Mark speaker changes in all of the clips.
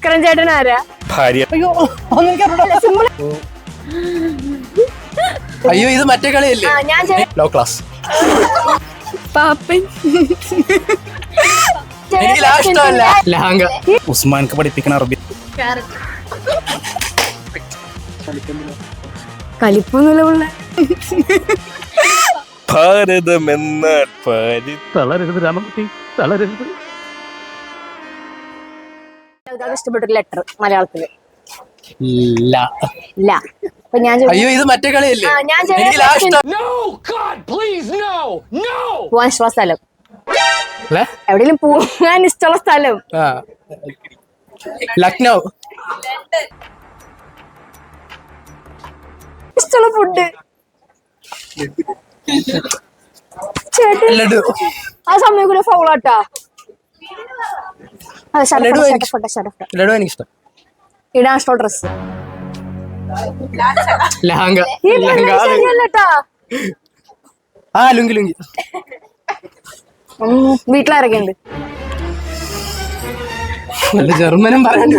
Speaker 1: ഭാസ്കരൻ ചേട്ടൻ ആരാ?
Speaker 2: ഭാര്യ.
Speaker 3: അയ്യോ ഇത് മറ്റേ കളിയല്ലേ? Low class.
Speaker 1: പാപ്പൻ.
Speaker 3: എനിക്ക് ഇഷ്ടമല്ല. ലഹങ്ക.
Speaker 2: ഉസ്മാൻക്ക് പഠിപ്പിക്കണ അറബി.
Speaker 1: കലിപ്പൊന്നുമില്ല.
Speaker 2: ഭാരതം എന്ന തളരരുത് രാമകുട്ടി, തളരരുത്.
Speaker 1: ഇഷ്ടപ്പെട്ടൊരു ലെറ്റർ മലയാളത്തില്. അപ്പൊ ഞാൻ
Speaker 3: അയ്യോ ഇത് മറ്റേ കളിയല്ലേ?
Speaker 1: പോവാൻ ഇഷ്ടമുള്ള സ്ഥലം, എവിടെയെങ്കിലും പോകാൻ ഇഷ്ടമുള്ള സ്ഥലം.
Speaker 3: ലക്നൗ.
Speaker 1: ഇഷ്ടമുള്ള ഫുഡ്
Speaker 3: ലഡു.
Speaker 1: ആ സമയം ഫൗളാട്ടാ.
Speaker 3: ലഡു എനിക്കിഷ്ടം.
Speaker 1: ഇടാൻ ഇഷ്ടമുള്ള ഡ്രസ്.
Speaker 3: ലഹങ്ക. ആ ലുങ്കി ലുങ്കി.
Speaker 1: വീട്ടിലിറങ്ങിയുണ്ട്.
Speaker 3: നല്ല ജർമ്മനും പറയണ്ട.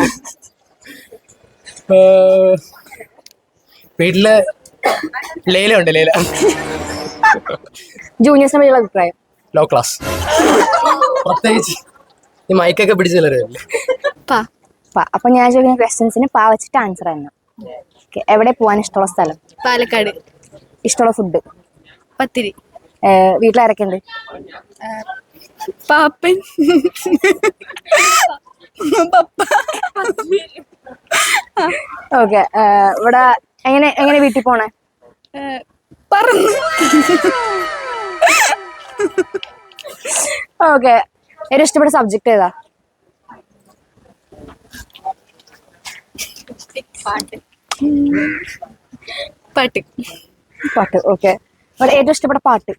Speaker 3: വീട്ടില് ലൈല ഉണ്ട്. ലൈല.
Speaker 1: ജൂനിയേഴ്സിനെ പറ്റിയുള്ള അഭിപ്രായം?
Speaker 3: Law class. പ്രത്യേകിച്ച് ഈ മൈക്കൊക്കെ പിടിച്ചല്ലേ.
Speaker 1: അപ്പൊ ഞാൻ ചോദിക്കുന്ന ക്വസ്റ്റ്യൻസിന് പാ വെച്ചിട്ട് ആൻസർ തന്നെ. എവിടെ പോവാൻ ഇഷ്ടമുള്ള സ്ഥലം?
Speaker 4: പാലക്കാട്.
Speaker 1: ഇഷ്ടമുള്ള ഫുഡ്?
Speaker 4: പത്തിരി.
Speaker 1: വീട്ടിലിറക്കുണ്ട്?
Speaker 4: പാപ്പൻ.
Speaker 1: ഓക്കെ. ഇവിടെ എങ്ങനെ വീട്ടിൽ പോണേ?
Speaker 4: പറന്ന്.
Speaker 1: ഓക്കെ. ഏറ്റവും ഇഷ്ടപ്പെട്ട സബ്ജക്ട് ഏതാ? പാട്ട്. ഓക്കെ. ഇവിടെ ഏറ്റവും ഇഷ്ടപ്പെട്ട പാട്ട്?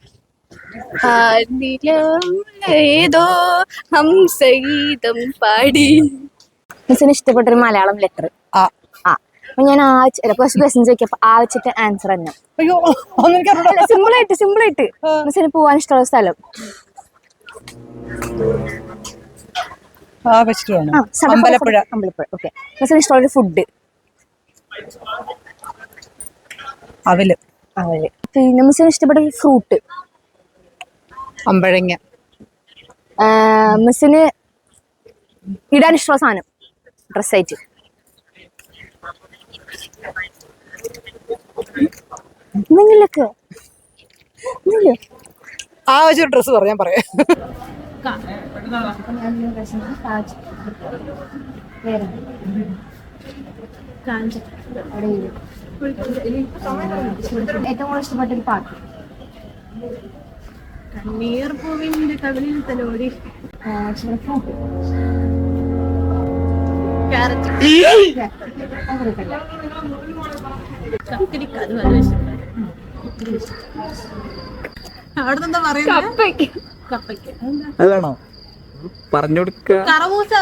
Speaker 4: ഏതോ ഹംസഗീതം പാടി.
Speaker 1: മിസ്സിന് ഇഷ്ടപ്പെട്ടൊരു മലയാളം ലെറ്റർ? അപ്പൊ ഞാൻ ക്വസ്റ്റ്യൻ ചോദിക്കപ്പോ ആ വെച്ചിട്ട് ആൻസർ തന്നെ. സിമ്പിൾ ആയിട്ട് മിസ്സിന് പോവാൻ ഇഷ്ടമുള്ള സ്ഥലം?
Speaker 3: അമ്പലപ്പുഴ.
Speaker 1: ഓക്കെ. മിസ്സിന് ഇഷ്ടമുള്ള ഫുഡ്?
Speaker 3: അവല്.
Speaker 1: പിന്നെ മിസ്സിന് ഇഷ്ടപ്പെട്ട ഫ്രൂട്ട്?
Speaker 3: അമ്പഴങ്ങ.
Speaker 1: മിസ്സിന് ഇടാൻ ഇഷ്ടമുള്ള സാധനം ഡ്രസ്സായിട്ട്? എന്തെങ്കിലൊക്കെ
Speaker 3: ആ വെച്ചൊരു ഡ്രസ്സ് പറയാൻ പറയാം.
Speaker 1: ഏറ്റവും കൂടുതൽ ഇഷ്ടപ്പെട്ടൊരു പാട്ട്?
Speaker 4: കണ്ണീർ പൂവിന്റെ കവിളിൽ തലോടി.
Speaker 3: അതാണോ പറഞ്ഞു കൊടുക്ക?
Speaker 4: കറമൂസ.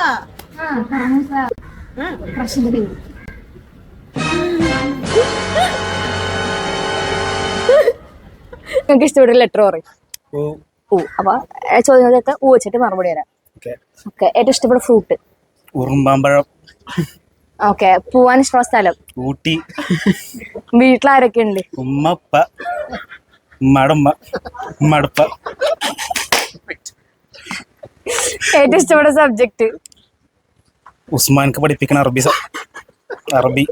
Speaker 1: നിങ്ങൾക്ക് ഇഷ്ടപ്പെട്ട ലെറ്റർ പറയും? അപ്പൊ ചോദ്യങ്ങൾക്ക് ഊ വെച്ചിട്ട് മറുപടി തരാം. ഓക്കെ. ഏറ്റവും ഇഷ്ടപ്പെട്ട ഫ്രൂട്ട്?
Speaker 2: ഉറുമ്പാമ്പഴം.
Speaker 1: ഓക്കെ. പോവാൻ ഇഷ്ടമുള്ള സ്ഥലം?
Speaker 2: ഊട്ടി.
Speaker 1: വീട്ടിലാരൊക്കെ ഉണ്ട്?
Speaker 2: ഉമ്മപ്പ, ഉമ്മടമ്മ, ഉമ്മടപ്പ.
Speaker 1: ഏറ്റവും ഇഷ്ടപ്പെട്ട സബ്ജക്ട്?
Speaker 2: ഉസ്മാൻക്ക് പഠിപ്പിക്കണ അറബി.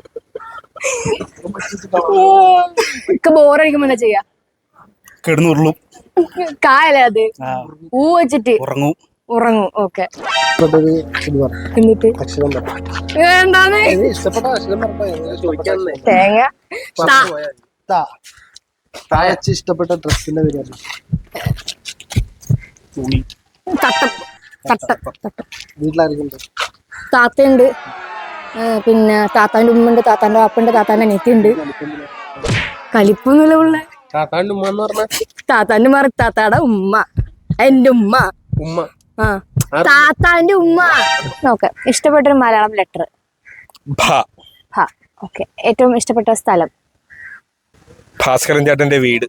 Speaker 1: ബോറടിക്കുമ്പോ എന്താ ചെയ്യാ?
Speaker 2: കിടന്നുരുളും.
Speaker 1: കായല്ലേ അത്? ഊ വെച്ചിട്ട് ഉറങ്ങും. ഓക്കെ. എന്നിട്ട് എന്താണ് തേങ്ങ?
Speaker 3: ഇഷ്ടപ്പെട്ട ഡ്രസ്സിന്റെ പേര്? വീട്ടിലായിരിക്കും.
Speaker 1: താത്തയുണ്ട്, പിന്നെ താത്താന്റെ ഉമ്മ ഉണ്ട്, താത്താന്റെ വാപ്പുണ്ട്, താത്താന്റെ അനിയത്തിയുണ്ട്. കലിപ്പൊന്നുമില്ല പിള്ളേ.
Speaker 3: താത്താന്റെ ഉമ്മ എന്ന് പറഞ്ഞ
Speaker 1: താത്താന്റെ മാറി താത്താടെ ഉമ്മ, എന്റെ ഉമ്മ. താത്താന്റെ ഉമ്മ. ഓക്കെ. ഇഷ്ടപ്പെട്ടൊരു മലയാളം ലെറ്റർ? ഓക്കെ. ഏറ്റവും ഇഷ്ടപ്പെട്ട സ്ഥലം?
Speaker 2: ഭാസ്കരൻ ചേട്ടന്റെ വീട്.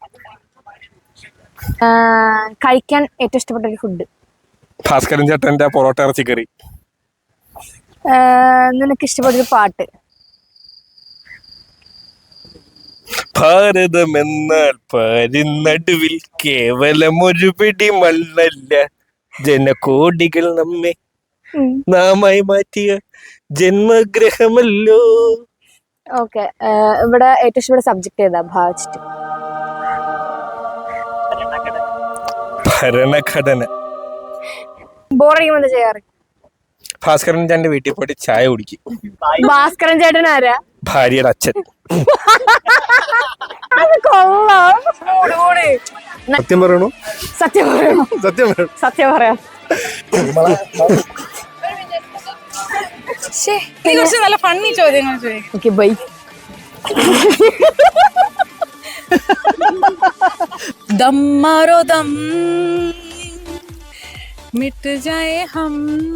Speaker 1: കഴിക്കാൻ ഏറ്റവും ഇഷ്ടപ്പെട്ട ഒരു ഫുഡ്?
Speaker 2: ഭാസ്കരൻ ചേട്ടന്റെ പൊറോട്ട ഇറച്ചിക്കറി.
Speaker 1: നിനക്ക് ഇഷ്ടപ്പെട്ടൊരു പാട്ട്.
Speaker 2: ഭാരതം എന്നാൽ പാരിനടുവിൽ കേവലം ഒരു പിടി മണ്ണല്ല, ജനകോടികൾ നമ്മെ നാമായി മാറ്റിയ ജന്മഗ്രഹമല്ലോ.
Speaker 1: ഓക്കെ, ഇവിടെ ഏറ്റവും ഇഷ്ടപ്പെട്ട സബ്ജക്ട് ഏതാ ഭാവിച്ചിട്ട്?
Speaker 2: ഭരണഘടന.
Speaker 1: ബോറടിക്കുമ്പോ എന്താ ചെയ്യാറ്?
Speaker 2: ഭാസ്കരൻ ചേട്ടന്റെ വീട്ടിൽ പോയിട്ട് ചായ കുടിക്കും.
Speaker 1: ഭാസ്കരൻ ചേട്ടൻ ആരാ?
Speaker 2: ഭാര്യയുടെ അച്ഛൻ.
Speaker 1: അത് കൊള്ളാം.
Speaker 2: സത്യം പറയണോ?
Speaker 1: സത്യം പറയണോ? സത്യം പറയാം.
Speaker 4: നല്ല ഫണ്ണി ചോദ്യങ്ങൾ ചോദിക്കും.
Speaker 1: Okay bye.
Speaker 4: दम मारो दम मिट जाए हम,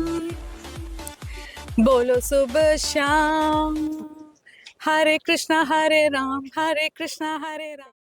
Speaker 4: बोलो सुबह शाम, हरे कृष्णा हरे राम हरे कृष्णा हरे राम.